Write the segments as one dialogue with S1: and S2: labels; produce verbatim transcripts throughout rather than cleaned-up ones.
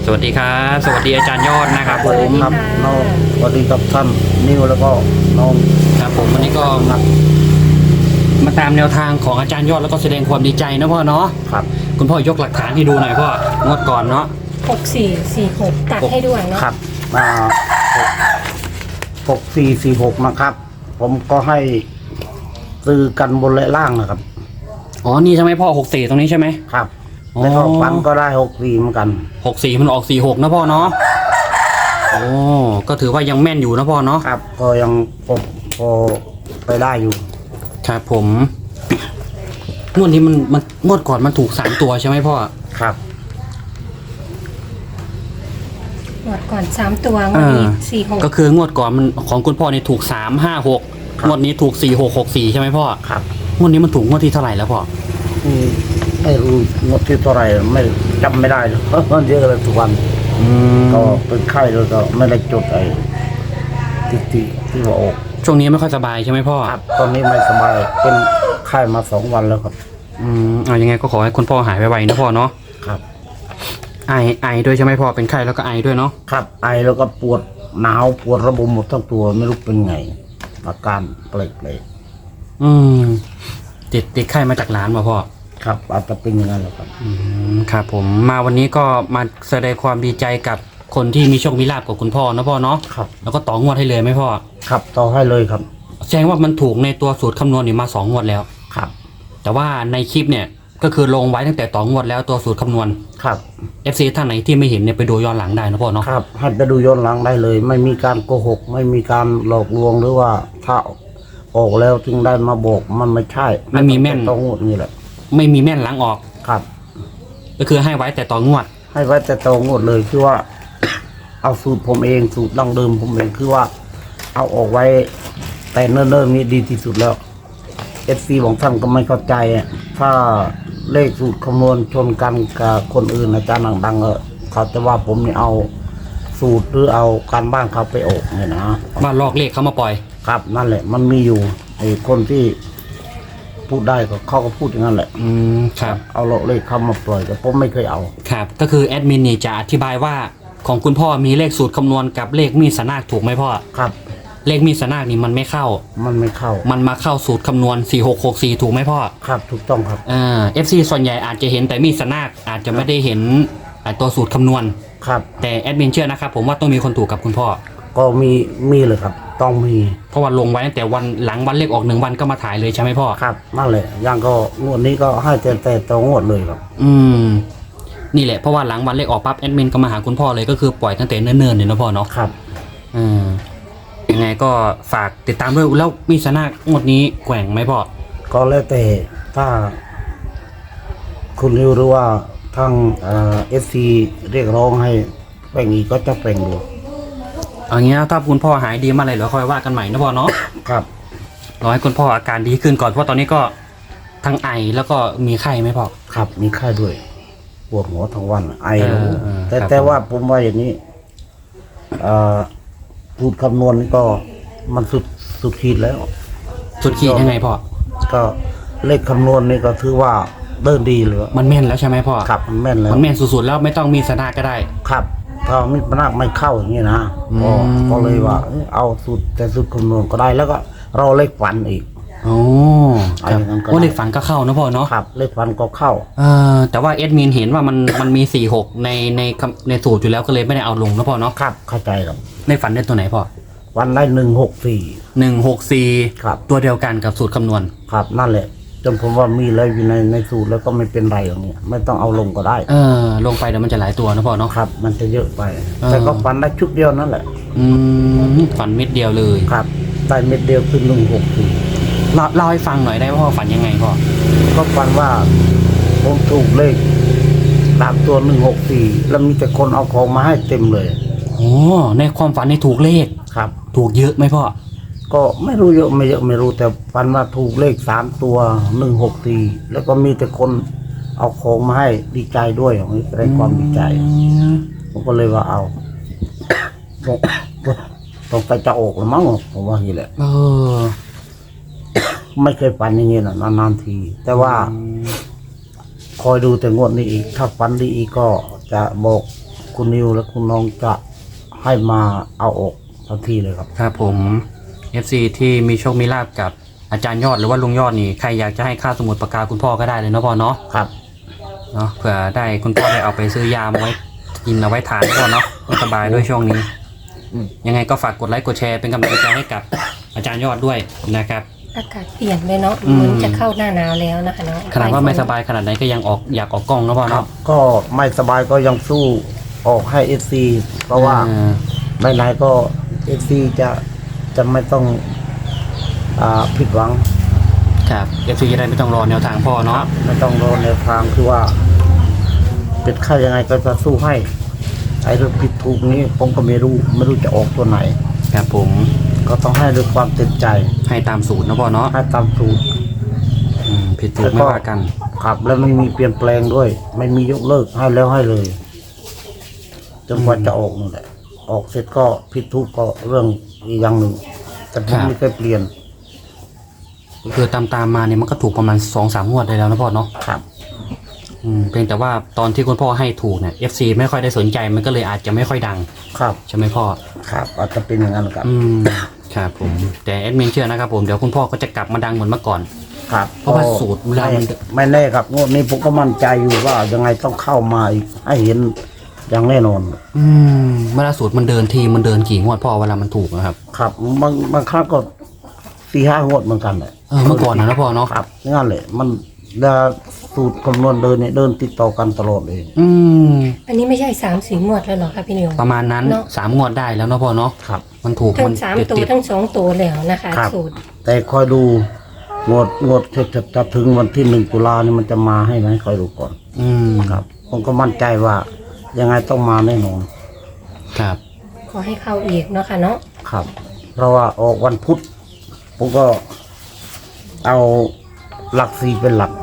S1: วัสดีครับสวัสดีอาจารย์ยอดนะครับผม
S2: ครับน้องสวัสดีครับท่านนิวแล้วก็น้อง
S1: ครับผมวันนี้ก็มามาตามแนวทางของอาจารย์ยอดแล้วก็แสดงความดีใจนะพ่อเนาะ
S2: ครับ
S1: คุณพ่อยกหลักฐานให้ดูหน่อยพ่องวดก่อนเนาะ
S3: หกสี่สี่หกตัดให้ด้วยเนาะ
S2: ครับมาหกสี่สี่หกนะครับ ผมก็ให้ซื้อกันบนและล่างนะครับ
S1: อ๋อนี่ใช่ไหมพ่อหกสี่ตรงนี้ใช่ไหม
S2: ครับ
S1: อ๋อ
S2: แล้วก็ฟันก็ได้หกสี่เหมือนกัน
S1: หกสี่มันออกสี่หกนะพ่อเนาะโอ้ก็ถือว่ายังแม่นอยู่นะพ่อเนาะ
S2: ครับ ก็ยังพอพอไปได้อยู่
S1: ครับผมงวดนี้มันมันงวดก่อนมันถูกสามตัวใช่ไหมพ่อ
S2: ครับ
S3: หมดก่อนสามตัวงวดนี้สี่หก
S1: ก็คืองวดก่อนมันของคุณพ่อเนี่ยถูกสามห้าหกงวดนี้ถูกสี่หกหกสี่ใช่ไหมพ่อ
S2: ครับ
S1: งวดนี้มันถูกงวดที่เท่าไหร่แล้วพ่อ
S2: อืมไม่รู้งดที่เท่าไหร่ไม่จำไม่ได้เลยเพราะมันเยอะเลยทุกวัน
S1: อืม
S2: ก็เป็นไข้แล้วก็ไม่ได้จดไอ้ที่ที่ที่ว่าออก
S1: ช่วงนี้ไม่ค่อยสบายใช่ไหมพ่อ
S2: ครับตอนนี้ไม่สบายเป็นไข้มาสองวันแล้วครับ
S1: อืมเอายังไงก็ขอให้คุณพ่อหายไวๆนะพ่อเนาะ
S2: ครับ
S1: ไอไอด้วยใช่ไหมพ่อเป็นไข้แล้วก็ไอด้วยเนาะ
S2: ครับไอแล้วก็ปวดหนาวปวดระบมหมดทั้งตัวไม่รู้เป็นไงอาการเปลกเลย
S1: อืมติดติดไข้มาจากร้านมาพ่อ
S2: ครับอาจจะเป็นอย่างนั้นแหละครับ
S1: อืมครับผมมาวันนี้ก็มาแสดงความดีใจกับคนที่มีโชคมีลาภกับคุณพ่อนะพ่อเนาะ
S2: ครับ
S1: แล้วก็ต่องวดให้เลยไหมพ่อ
S2: ครับต่อให้เลยครับ
S1: แสดงว่ามันถูกในตัวสูตรคำนวณนี่มาสองงวดแล้ว
S2: ครับ
S1: แต่ว่าในคลิปเนี่ยก็คือลงไว้ตั้งแต่ต่องวดแล้วตัวสูตรคำนวณ
S2: ครับ
S1: เอฟ ซี ท่านไหนที่ไม่เห็นเนี่ยไปดูย้อนหลังได้นะพ่อเนาะ
S2: ครับให้ไปดูย้อนหลังได้เลย ไม่มีการโกหก ไม่มีการหลอกลวงหรือว่าถ้าออกแล้วจึงได้มาบอกมันไม่ใช่
S1: ไม่มีแม่น
S2: ต้องงดนี่แหละ
S1: ไม่มีแม่นหลังออก
S2: ครับ
S1: ก็คือให้ไว้แต่ต่องวด
S2: ให้ไว้แต่ตรงงดเลยคือว่า เอาสูตรผมเองสูตรดั้งเดิมผมเองคือว่า เอาออกไว้แต่เนิ่นๆนี้ดีที่สุดแล้วเอฟซีของท่านก็ไม่เข้าใจอะถ้าเลขสูตรคำนวณชนกันกับคนอื่นอาจารย์ดังๆเออเขาจะว่าผมนี่เอาสูตรหรือเอาการบ้านเขาไปออกเนี่ยนะ
S1: ว่าลอกเลขเขามาปล่อย
S2: ครับนั่นแหละ มันมีอยู่ไอ้คนที่พูดได้ก็เขาก็พูดอย่างนั้นแหละ
S1: อืมครับ
S2: เอาเลขเขามาปล่อยแต่ผมไม่เคยเอา
S1: ครับก็คือแอดมินนี่จะอธิบายว่าของคุณพ่อมีเลขสูตรคำนวณกับเลขมีดสนากถูกไหมพ่อ
S2: ครับ
S1: เลขมีดสนากนี่มันไม่เข้า
S2: มันไม่เข้า
S1: มันมาเข้าสูตรคำนวณสี่หกหกสี่ถูกไหมพ่อ
S2: ครับถูกต้องครับ
S1: อ่าเอฟซีส่วนใหญ่อาจจะเห็นแต่มีดสนากอาจจะไม่ได้เห็นอ่าตัวสูตรคำนวณ
S2: ครับ
S1: แต่แอดมินเชื่อนะครับผมว่าต้องมีคนถูกกับคุณพ่อ
S2: ก็มีมีเลยครับ ต้องมี
S1: เพราะว่าลงไว้ตั้งแต่วันหลังวันเลขออกหนึ่งวันก็มาถ่ายเลยใช่ไหมพ่อ
S2: ครับนั่นแหละอย่างก็งวดนี้ก็ให้แต่แต่ตัวงวดเลยครับ
S1: อืมนี่แหละเพราะว่าหลังวันเลขออกปั๊บแอดมินก็มาหาคุณพ่อเลยก็คือปล่อยตั้งแต่เนิ่นๆเลยนะพ่อเนาะ
S2: ครับ
S1: อืมยังไงก็ฝากติดตามด้วยแล้วมีสนากงวดนี้แกว่งไหมพ่อ
S2: ก็แล้วแต่ถ้า คุณริวหรือว่าทางเอฟซีเรียกร้องให้แป่งอีกก็จะแป่งดู
S1: เอางี้นะถ้าคุณพ่อหายดีมาเลยเดี๋ยวค่อยว่ากันใหม่นะพ่อเนาะ
S2: ครับ
S1: รอให้คุณพ่ออาการดีขึ้นก่อนเพราะตอนนี้ก็ทั้งไอแล้วก็มีไข้ไหมพ่อ
S2: ครับมีไข้ด้วยปวดหัวทั้งวันไอ
S1: เอ
S2: แล้ว
S1: อเออ
S2: แต่
S1: ครับ
S2: แต่ว่าผมว่าอย่างนี้เอ่อพูดคำนวณนี่ก็มันสุดสุดขีดแล้ว
S1: สุดขีดยังไงพ่อ
S2: ก็เลขคำนวณนี่ก็ถือว่าเดินดีเลย
S1: มันแม่นแล้วใช่ไหมพ่อ
S2: ครับมันแม่นแล้ว
S1: มันแม่นสุดๆแล้วไม่ต้องมีสนากก็ได้
S2: ครับถ้ามีปัญหาไม่เข้าอย่างนี้นะ
S1: อืม
S2: ก็ก็เลยว่าเอ้ยเอาสูตรแต่สูตรคำนวณก็ได้ แล้วก็เราเลขฝันอีก
S1: โอ้
S2: เอาอย่างนั้นก็ได้
S1: โอ้เลขฝันก็เข้านะพ่อเนาะ
S2: ครับ เลขฝันก็เข้า
S1: เออแต่ว่าเอดมินเห็นว่ามันมันมีสี่หกในในคำในสูตรอยู่แล้วก็เลยไม่ได้เอาลงนะพ่อเนาะ
S2: ครับเข้าใจครับ
S1: ในฝันได้ตัวไหนพ่อ
S2: วันได้หนึ่งหกสี่
S1: หนึ่งหกสี่
S2: ครับ
S1: ตัวเดียวกันกับสูตรคำนวณ
S2: ครับนั่นแหละจนผมว่ามีแล้วอยู่ในในสูตรแล้วก็ไม่เป็นไรอย่างนี้ไม่ต้องเอาลงก็ได้
S1: เออลงไปเดี๋ยวมันจะหลายตัวนะพ่อเนาะ
S2: ครับ มันจะเยอะไป
S1: เออ
S2: แต่ก็ฝันได้ชุดเดียวนั่นแหละ
S1: อืมฝันเม็ดเดียวเลย
S2: ครับได้เม็ดเดียวคือหนึ่งหกสี่
S1: เล่าเล่าให้ฟังหน่อยได้ว่าพ่อฝันยังไงพ่อ
S2: ก็ฝันว่าผมถูกเลขตามตัวหนึ่งหกสี่แล้วมีแต่คนเอาของมาให้เต็มเลย
S1: โอ้ในความฝันในถูกเลข
S2: ครับ
S1: ถูกเยอะไหมพ่อ
S2: ก็ไม่รู้เยอะไม่เยอะไม่รู้แต่ฝันว่าถูกเลขสามตัวหนึ่งหกสี่แล้วก็มีแต่คนเอาของมาให้ดีใจด้วยอย่างนี้แสดงความดีใจ ผมก็เลยว่าเอา ต้องไปจะออกแล้วมั้งผมว่าอย่างนี้แหละ
S1: เออ
S2: ไม่เคยฝันอย่างนี้นะนานๆที แต่ว่าคอยดูแต่งวดนี้อีก ถ้าฝันดีอีกก็จะบอกคุณนิวและคุณน้องจะให้มาเอาออกทันทีเลยครับ
S1: ครับผม เอฟ ซี ที่มีโชคมีลาภกับอาจารย์ยอดหรือว่าลุงยอดนี่ใครอยากจะให้ค่าสมุดปากกาคุณพ่อก็ได้เลยเนาะพ่อเนาะ
S2: ครับ
S1: เนาะเผื่อได้คุณพ่อได้เอาไปซื้อยามาไว้กินเอาไว้ทานพ่อเนาะสบายด้วยช่วงนี้
S2: อืม
S1: ยังไงก็ฝากกดไลค์กดแชร์เป็นกำลังใจให้กับอาจารย์ยอดด้วยนะครับ
S3: อากาศเปลี่ยนเลยเนาะ
S1: อืม
S3: เหมือนจะเข้าหน้าหนาวแล้วนะคะเนาะ
S1: ขนาดว่าไม่สบายขนาดไหนก็ยังออกอยากออกกล้องนะพ่อ
S2: ครั
S1: เนาะ
S2: บก็ไม่สบายก็ยังสู้ออกให้เอฟซีเพราะว่า
S1: เออ
S2: ไม่ไหนก็เอฟซีจะจะไม่ต้องอ่าผิดหวัง
S1: ครับ เอฟ ซี จะได้ไม่ต้องรอแนวทางพ่อเนาะ
S2: ไม่ต้องรอแนวทางคือว่าเป็นค่ายังไงก็จะสู้ให้ไอ้เรื่องผิดถูกนี้ผมก็ไม่รู้ไม่รู้จะออกตัวไหน
S1: ครับผม
S2: ก็ต้องให้ด้วยความเต็มใจ
S1: ให้ตามสูตรนะพ่อเนาะ
S2: ให้ตามสูตร
S1: อืมผิดถูกไม่ว่ากัน
S2: ครับ แล้วไม่มีเปลี่ยนแปลงด้วย ไม่มียกเลิกให้แล้วให้เลยจนกว่าจะออกนั่นแหละออกเสร็จก็ผิดถูกก็เรื่องอีกอย่างหนึ่งแต่ผมไม่เคยเปลี่ยน
S1: คือตามตามๆมาเนี่ยมันก็ถูกประมาณสองสามงวดได้แล้วนะพ่อเนาะ
S2: ครับ
S1: อืมเพียงแต่ว่าตอนที่คุณพ่อให้ถูกเนี่ย เอฟ ซี ไม่ค่อยได้สนใจมันก็เลยอาจจะไม่ค่อยดัง
S2: ครับ
S1: ใช่ไหมพ่อ
S2: ครับอาจจะเป็นอย่างนั้นครับ
S1: อืมครับผมแต่แอดมินเชื่อนะครับผมเดี๋ยวคุณพ่อก็จะกลับมาดังเหมือนเมื่อก่อน
S2: ครับ
S1: เพราะว่าสูตรเวลามัน
S2: ไม่ไม่แน่ครับงวดนี้ผมก็มั่นใจอยู่ว่ายังไงต้องเข้ามาอีกให้เห็นอย่างแน่นอน
S1: อืมเวลาสูตรมันเดินทีมันเดินกี่งวดพ่อเวลามันถูกนะครับ
S2: ครับบางบางครั้งก็สี่ห้างวดเหมือนกันเลย
S1: เออเมื่อก่อนนะนะพ่อเนาะ
S2: ครับงั้นเลยมันเวลาสูตรคำนวณเดินเนี่ยเดินติดต่อกันตลอดเลย
S1: อืม
S3: อันนี้ไม่ใช่สามสีหมวดแล้วเหรอคะพี่นิว
S1: ประมาณนั้น
S3: เนอะ
S1: สามงวดได้แล้วเนาะพ่อเนาะ
S2: ครับ
S1: มันถูก
S3: ทั้
S1: มั
S3: ง
S1: น
S3: สาม
S1: ติด
S3: ตัว
S1: ติด
S3: ทั้งสองตัวแล้วนะคะ
S2: ครับ
S3: สูตร
S2: แต่คอยดูงวดงวดจะจะจะถึงวันที่หนึ่งตุลานี่มันจะมาให้ไหมคอยดูก่อน
S1: อืม
S2: ครับ ผมก็มั่นใจว่า ยังไงต้องมาแน่นอน
S1: ครับ
S3: ขอให้เข้าอีกเนาะค่ะเนาะ
S2: ครับ เพราะว่าออกวันพุธผมก็เอาหลักสี่เป็นหลัก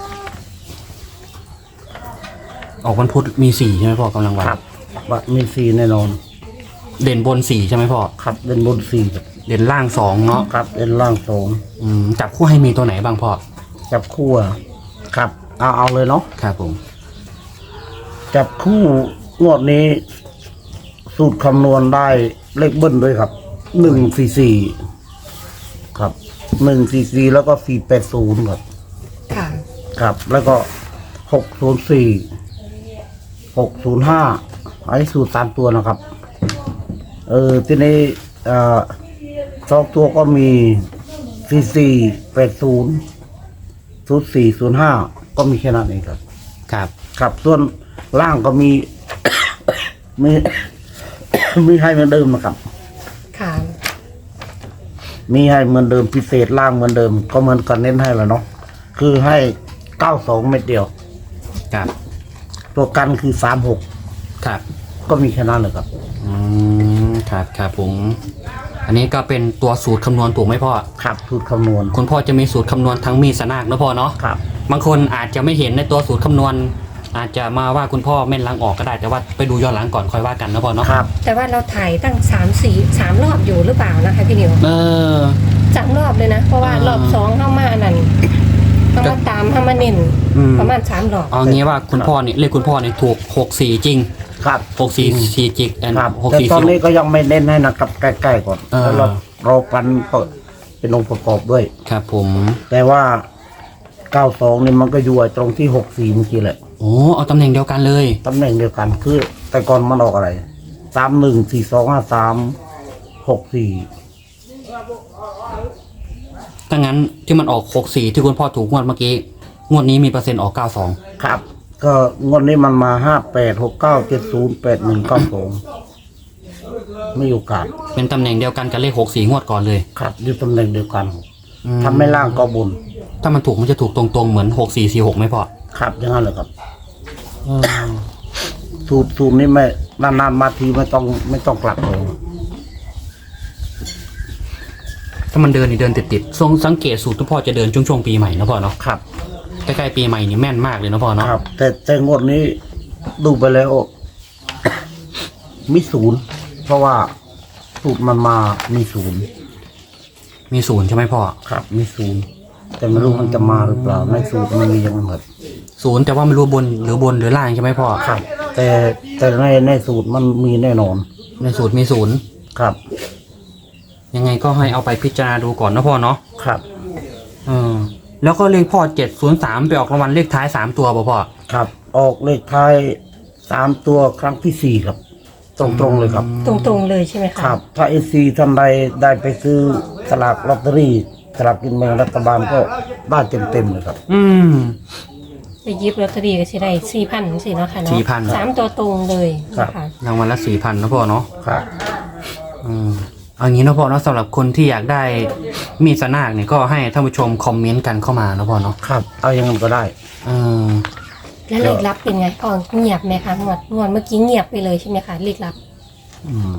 S1: ออกวันพุธมีสี่ใช่ไหมพ่อกำลังวัน
S2: ครับว่ามีสี่แน่นอน
S1: เด่นบนสี่ใช่ไหมพ่อ
S2: ครับเป็นบนสี่ครับ
S1: เด่นล่างสองเนาะ
S2: ครับเป็นล่างสอง
S1: อืมจับคู่ให้มีตัวไหนบ้างพ่อ
S2: จับคู่อะครับ เอาเอาเลยเนาะ
S1: ครับผม
S2: จับคู่งวดนี้ สูตรคำนวณได้เลขเบิ้ลด้วยครับหนึ่งสี่สี่ครับหนึ่งสี่สี่แล้วก็สี่แปดศูนย์ครับ
S3: ค่ะ
S2: ครับ แล้วก็หกศูนย์สี่หกศูนย์ห้าอันนี้สูตรสามตัวนะครับ เออทีนี้เอ่อสองตัวก็มีสี่สี่แปดศูนย์ศูนย์สี่ศูนย์ห้าก็มีแค่นั้นเองครับ
S1: ครับ
S2: ครับส่วนล่างก็มี มี มีให้เหมือนเดิมนะครับ
S3: ค่ะ
S2: มีให้เหมือนเดิมพิเศษล่างเหมือนเดิม ก็เหมือนกันเน้นให้แล้วเนาะคือให้เก้าสองเม็ดเดียว
S1: ครับ
S2: ตัวกันคือสามหก
S1: ครับ
S2: ก็มีแค่นั้นเลยครับ
S1: อืมครับครับผม อันนี้ก็เป็นตัวสูตรคำนวณถูกไหมพ่อ
S2: ครับสูตรคำนวณ
S1: คุณพ่อจะมีสูตรคำนวณทั้งมีดสนากนะพ่อเนาะ
S2: ครับ
S1: บางคนอาจจะไม่เห็นในตัวสูตรคำนวณ อาจจะมาว่าคุณพ่อแม่นล้างออกก็ได้แต่ว่าไปดูย้อนหลังก่อนค่อยว่ากันนะพ่อเนาะ
S2: ครับ
S3: แต่ว่าเราถ่ายตั้งสามสี่สามรอบอยู่หรือเปล่านะคะพี่นิว
S1: เออ
S3: สามรอบเลยนะ เพราะว่า
S1: อ่าร ร
S3: อบสองเข้ามาอันนั้นเข้ามาตามเข้ามาเน้น
S1: อืม
S3: ประมาณสามรอบ
S1: เอางี้ว่าคุณพ่อเนี่ยเลขคุณพ่อเนี่ยถูกหกสี่จริง
S2: ครับ
S1: หกสี่สี่จิกแอน
S2: ครับ
S1: หก
S2: แต่
S1: สี่
S2: ตอน
S1: สี่
S2: นี้ก็ยังไม่เน้นให้นะครับใกล้ๆก่อน
S1: เออ
S2: แล้วเราเรากันก็เป็นองค์ประกอบด้วย
S1: ครับผม
S2: แต่ว่าเก้าสองนี่มันก็อยู่ไอ้ตรงที่หกสี่เมื่อกี้แหละ
S1: โอ้เอาตำแหน่งเดียวกันเลย
S2: ตำแหน่งเดียวกันคือ แต่ก่อนมันออกอะไรสามหนึ่งสี่สองห้าสามหกสี่
S1: ถ้างั้นที่มันออกหกสี่ที่คุณพ่อถูกงวดเมื่อกี้ งวดนี้มีเปอร์เซ็นต์ออกเก้าสอง
S2: ครับ ก็งวดนี้มันมาห้าแปดหกเก้าเจ็ดศูนย์แปดหนึ่งเก้าสองไม่มีโอกาส
S1: เป็นตำแหน่งเดียวกันกับเลขหกสี่งวดก่อนเลย
S2: ครับอยู่ตำแหน่งเดียวกัน
S1: อืม
S2: ทำไม่ล่างก็บน
S1: ถ้ามันถูกมันจะถูกตรงๆเหมือนหกสี่สี่หกไหมพ่อ
S2: ครับอย่างนั้นเลยครับสูตรสูตรนี้ไม่นานๆมาทีไม่ต้องไม่ต้องกลับเลย
S1: ถ้ามันเดินนี่เดินติดๆทรงสังเกตสูตรทุกพ่อจะเดินช่วงๆปีใหม่นะพ่อเนาะ
S2: ครับ
S1: ใกล้ๆปีใหม่นี่แม่นมากเลยนะพ่อเนาะ
S2: ครับ แต่แต่งวดนี้ดูไปแล้ว มีศูนย์เพราะว่าสูตรมันมามีศูนย์
S1: มีศูนย์ใช่ไหมพ่อ
S2: ครับ มีศูนย์แต่ไม่รู้มันจะมาหรือเปล่าในสูตรมันมีอย่างนั้นหมด
S1: ศูนย์แต่ว่าไม่รู้บนหรือบนหรือล่างใช่ไหมพ่อ
S2: ครับ แต่แต่แต่ในในสูตรมันมีแน่นอน
S1: ในสูตรมีศูนย์
S2: ครับ
S1: ยังไงก็ให้เอาไปพิจารณาดูก่อนนะพ่อเนาะ
S2: ครับ
S1: เออแล้วก็เลขพ่อเจ็ดศูนย์สามไปออกรางวัลเลขท้ายสามตัวป่ะพ่อ
S2: ครับ ออกเลขท้ายสามตัวครั้งที่สี่ครับ ตรงๆเลยครับ
S3: ตรงๆเลยใช่ไหมคะ
S2: ครับ ถ้าเอซีท่านใดได้ไปซื้อสลากลอตเตอรี่สลากกินแบ่งรัฐบาลก็ได้เต็มๆเลยครับ
S1: อืม
S3: ไปหยิบลอตเตอรี่ก็สิได้สี่พันสิเนาะค่ะเนาะ
S1: สี่พัน
S3: สามตัวตรงเลยนะคะ
S1: รางวัลละสี่พันนะพ่อเนาะ
S2: ครับ
S1: อืมเอางี้นะพ่อเนาะสำหรับคนที่อยากได้มีดสนากเนี่ยก็ให้ท่านผู้ชมคอมเมนต์กันเข้ามานะพ่อเนาะ
S2: ครับ เอาอย่างนั้นก็ได้
S1: เออ
S3: แล้วเลขลับเป็นไงพ่อเงียบไหมคะงวดงวดเมื่อกี้เงียบไปเลยใช่ไหมคะเลขลับ
S2: อืม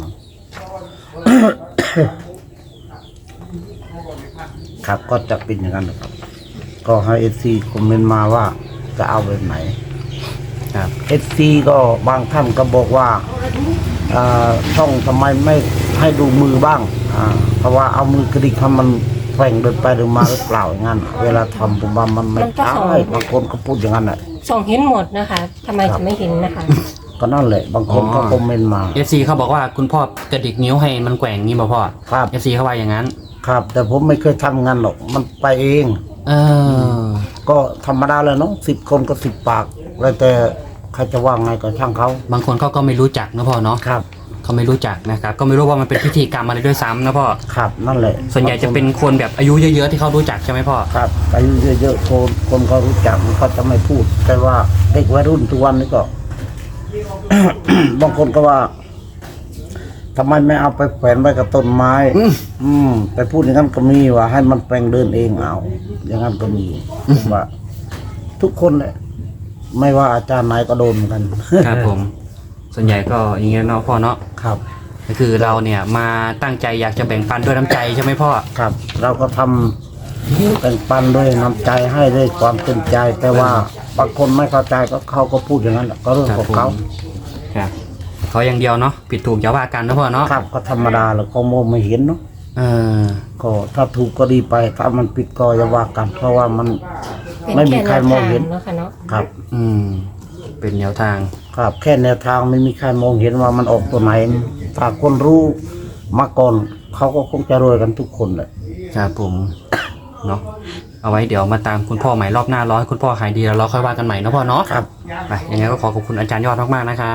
S2: ครับก็จะเป็นอย่างนั้นนะครับ ก็ให้เอซีคอมเมนต์มาว่าจะเอาแบบไหน
S1: ครับ
S2: เอซีก็บางท่านก็บอกว่าอ่าช่องทำไมไม่ให้ดูมือบ้าง อ่า เพราะว่าเอามือกระดิกทำมันแฝงเดินไปเดินมาหรือเปล่าอย่างนั้นเวลาทำผมว่ามันไม่ใช่บางคนก็พูดอย่างนั้นแหละ
S3: ส่องเห็นหมดนะคะทำไมจะไม่เห็นนะคะ
S2: ก็นั่นแหละ บางคนก็คอมเมนต์มา
S1: เอฟซีเขาบอกว่าคุณพ่อกระดิกนิ้วให้มันแกว่งงี้ป่ะพ่อ
S2: ครับ
S1: เอฟซีเขาว่าอย่างนั้น
S2: ครับ แต่ผมไม่เคยทำงานหรอกมันไปเอง
S1: เออ
S2: ก็ธรรมดาเลยเนาะสิบคนก็สิบปากแล้วแต่ใครจะว่าไงก็ช่างเขา
S1: บางคนเขาก็ไม่รู้จักนะพ่อเนาะ
S2: ครับ
S1: เขาไม่รู้จักนะครับก็ไม่รู้ว่ามันเป็นพิธีกรรมอะไรด้วยซ้ำนะพ่อ
S2: ครับนั่นแหละ
S1: ส่วนใหญ่จะเป็นคนแบบอายุเยอะๆที่เขารู้จักใช่ไหมพ่อ
S2: ครับอายุเยอะๆคนคนเขารู้จักมันเขาจะไม่พูด แต่ว่าเด็กวัยรุ่นทุกวันนี้ก็ บางคนก็ว่าทำไมไม่เอาไปแขวนไว้กับต้นไม้
S1: อืม
S2: อืมไปพูดอย่างนั้นก็มีว่า ให้มันแปลงเดินเองเอาอย่างนั้นก็มีผมว่า ทุกคนแหละ ไม่ว่าอาจารย์ไหนก็โดนเหมือนกัน
S1: ครับผม ส่วนใหญ่ก็อย่างเงี้ยเนาะพ่อเนาะ
S2: ครับ
S1: ก็คือเราเนี่ยมาตั้งใจอยากจะแบ่งปันด้วยน้ำใจใช่ไหมพ่อ
S2: ครับ เราก็ทำแบ่งปันด้วยน้ำใจให้ด้วยความเต็มใจ แต่ว่าบางคนไม่เข้าใจก็เขาก็พูดอย่างนั้นแหละก็เรื่องของเขา
S1: ครับเขาอย่างเดียวเนาะผิดถูกอย่าว่ากันนะพ่อเนาะ
S2: ครับก็ธรรมดาแล้วก็มองไม่เห็นเนาะ
S1: เออ
S2: ก็ถ้าถูกก็ดีไป ถ้ามันผิดก็อย่าว่ากัน เพราะว่ามัน
S3: เป็น
S2: ไม่มี
S3: แค่
S2: ใคร
S3: แนว
S2: มอง
S3: ทาง
S2: เห็น
S3: เนาะค่ะเนาะ
S2: ครับ
S1: อืม เป็นแนวทาง
S2: ครับ แค่แนวทางไม่มีใครมองเห็นว่ามันออกตัวไหนถ้าคนรู้มาก่อนเขาก็คงจะรวยกันทุกคนเลย
S1: ครับผมเนาะเอาไว้เดี๋ยวมาตามคุณพ่อใหม่รอบหน้าร้อยคุณพ่อหายดีแล้วเราค่อยว่ากันใหม่นะพ่อเนาะ
S2: ครับ
S1: ไปยังไงก็ขอขอบคุณอาจารย์ยอดมากๆนะครับ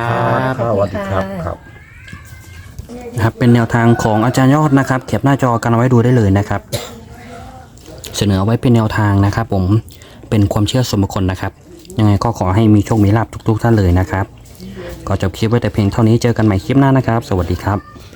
S2: ครับสวัสดีครับครับ
S1: นะครับเป็นแนวทางของอาจารย์ยอดนะครับเก็บหน้าจอกันเอาไว้ดูได้เลยนะครับ เสนอเอาไว้เป็นแนวทางนะครับ ผมเป็นความเชื่อส่วนบุคคลนะครับ ยังไงก็ขอให้มีโชคมีลาภทุกๆท่านเลยนะครับ ก็จบคลิปไว้แต่เพียงเท่านี้เจอกันใหม่คลิปหน้านะครับ สวัสดีครับ